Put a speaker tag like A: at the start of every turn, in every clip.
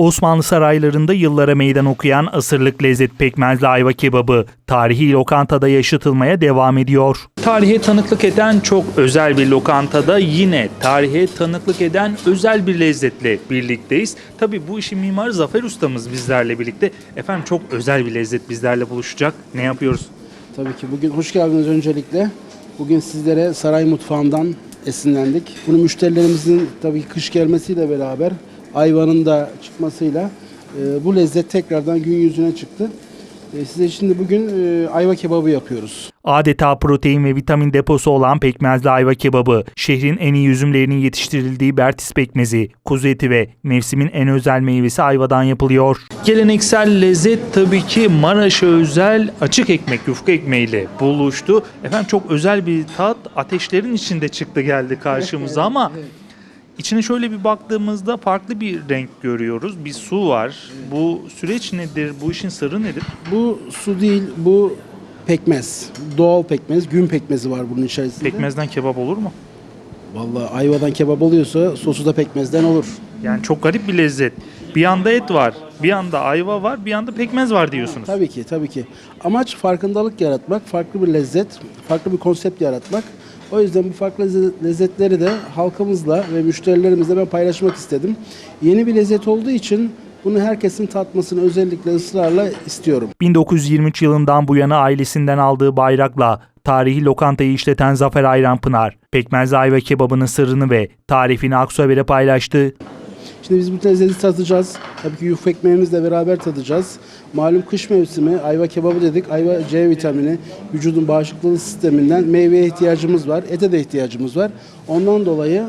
A: Osmanlı saraylarında yıllara meydan okuyan asırlık lezzet pekmezli ayva kebabı tarihi lokantada yaşatılmaya devam ediyor. Tarihe tanıklık eden çok özel bir lokantada yine tarihe tanıklık eden özel bir lezzetle birlikteyiz. Tabii bu işin mimarı Zafer ustamız bizlerle birlikte. Efendim çok özel bir lezzet bizlerle buluşacak. Ne yapıyoruz?
B: Tabii ki bugün hoş geldiniz öncelikle. Bugün sizlere saray mutfağından esinlendik. Bunu müşterilerimizin tabii kış gelmesiyle beraber ayvanın da çıkmasıyla bu lezzet tekrardan gün yüzüne çıktı. Size şimdi bugün ayva kebabı yapıyoruz.
A: Adeta protein ve vitamin deposu olan pekmezli ayva kebabı, şehrin en iyi üzümlerinin yetiştirildiği Bertis pekmezi, kuzu eti ve mevsimin en özel meyvesi ayvadan yapılıyor. Geleneksel lezzet tabii ki Maraş'a özel açık ekmek, yufka ekmeğiyle buluştu. Efendim çok özel bir tat ateşlerin içinde çıktı geldi karşımıza ama İçine şöyle bir baktığımızda farklı bir renk görüyoruz. Bir su var. Bu süreç nedir? Bu işin sırrı nedir?
B: Bu su değil, bu pekmez. Doğal pekmez, gün pekmezi var bunun içerisinde.
A: Pekmezden kebap olur mu?
B: Vallahi ayvadan kebap oluyorsa sosu da pekmezden olur.
A: Yani çok garip bir lezzet. Bir yanda et var, bir yanda ayva var, bir yanda pekmez var diyorsunuz.
B: Tabii ki, tabii ki. Amaç farkındalık yaratmak, farklı bir lezzet, farklı bir konsept yaratmak. O yüzden bu farklı lezzetleri de halkımızla ve müşterilerimizle ben paylaşmak istedim. Yeni bir lezzet olduğu için bunu herkesin tatmasını özellikle ısrarla istiyorum.
A: 1923 yılından bu yana ailesinden aldığı bayrakla tarihi lokantayı işleten Zafer Ayranpınar, pekmezli ayva kebabının sırrını ve tarifini Aksu Haber'e paylaştı.
B: Şimdi biz bu lezzeti tadacağız. Tabii ki yufka ekmeğimizle beraber tadacağız. Malum kış mevsimi ayva kebabı dedik. Ayva C vitamini vücudun bağışıklığı sisteminden meyveye ihtiyacımız var. Ete de ihtiyacımız var. Ondan dolayı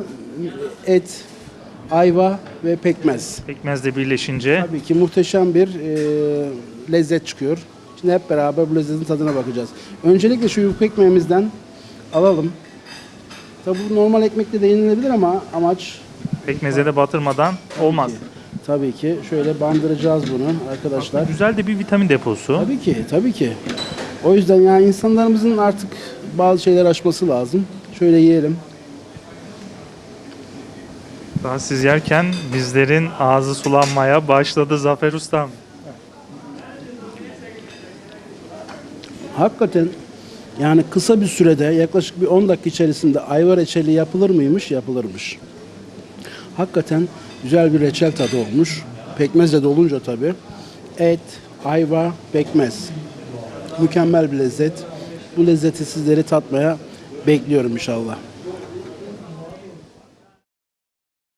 B: et, ayva ve pekmez.
A: Pekmezle birleşince
B: Tabii ki muhteşem bir lezzet çıkıyor. Şimdi hep beraber bu lezzetin tadına bakacağız. Öncelikle şu yufka ekmeğimizden alalım. Tabii bu normal ekmekle de yenilebilir ama amaç
A: pekmeze de batırmadan olmaz.
B: tabii ki şöyle bandıracağız bunu arkadaşlar.
A: Güzel de bir vitamin deposu.
B: Tabii ki, tabii ki. O yüzden yani insanlarımızın artık bazı şeyler aşması lazım. Şöyle yiyelim.
A: Daha siz yerken bizlerin ağzı sulanmaya başladı Zafer Ustam.
B: Hakikaten yani kısa bir sürede yaklaşık bir 10 dakika içerisinde ayva reçeli yapılır mıymış? Yapılırmış. Hakikaten güzel bir reçel tadı olmuş. Pekmezle de olunca tabii. Et, ayva, pekmez. Mükemmel bir lezzet. Bu lezzeti sizleri tatmaya bekliyorum inşallah.